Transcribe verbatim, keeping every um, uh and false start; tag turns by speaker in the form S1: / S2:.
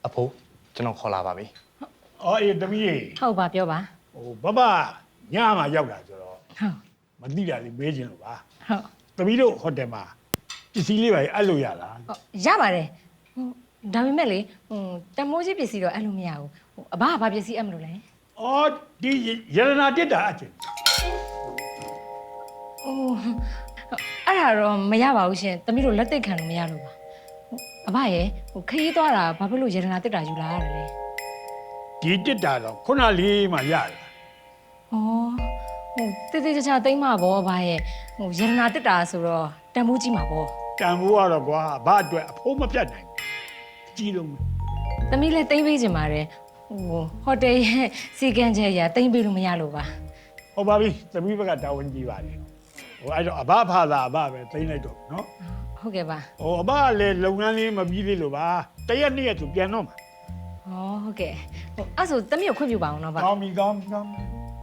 S1: အဖိုးကျွန်တော်ခေါ်လာပါပြီ
S2: အော်အေးတမီးရေ
S3: ဟုတ်ပါပြောပါ
S2: ဟိုဘဘညမှာရောက်တာဆိုတော့
S3: ဟုတ်
S2: မသိတာလေးမေးချင်လို့ပါ
S3: ဟုတ်
S2: တမီးတို့ဟိုတယ်မှာပစ္စည်းလေးပါအဲ့လိုရလား
S3: ဟုတ်ရပါတယ်ဟိုဒါပေမဲ့လေဟိုတမိုးကြီးပစ္စည်းတော့အဲ့လိုမရဘူးဟိုအဘကဘာပစ္စည်းအပ်မလို့လဲ
S2: အော်ဒီရတနာတက်တာအချင်း
S3: ဟိုအဲ့ဒါတော့မရပါဘူးရှင်တမီးတို့လက်သိပ်ခံလို့မရလို့ပါဟိုအဘရဲ့ဟိုခရီးသွားတာဘာဖြစ်လို့ရတနာတက်တာယူလာရတယ်လဲ
S2: ဒီတက်တာတော့ခုနလေးမှရတယ်
S3: ဩဟိုတေးသေးချာချာတိမ့်မှာပေါ့အဘရဲ့ဟိုရတနာတက်တာဆိုတော့တမိုးကြီးမှာပေါ့
S2: တန်ဖိုးကတော့ကွာဘာအတွက်အဖိုးမပြတ်နိုင်ဘူးကြီးလုံးပဲ
S3: တမီးလည်းတိမ့်ပေးခြင်းပါတယ်ဟိုဟိုတယ်ရဲ့စီကံချက်ရတိမ့်ပေးလို့မရလို့ပါ
S2: ဟုတ်ပါပြီတမီးဘက်ကတာဝန်ကြီးပါတယ်ဟိုအဲ့တော့အဘဖာသာအဘပဲသိမ့်လိုက်တော့နော်
S3: ဟုတ်ကဲ့ပါ
S2: ဟိုအဘကလည်းလုပ်ငန်းလေးမပြီးသေးလို့ပါတရက်နှစ်ရက်သူပြန်တော့မှာ
S3: ဟောဟုတ်ကဲ့ဟိုအဲ့ဆိုတမီးကိုခွင့်ပြုပါအောင်နော်ဗျ
S2: ကောင်းပြီကောင်းပြီကောင်းပြီ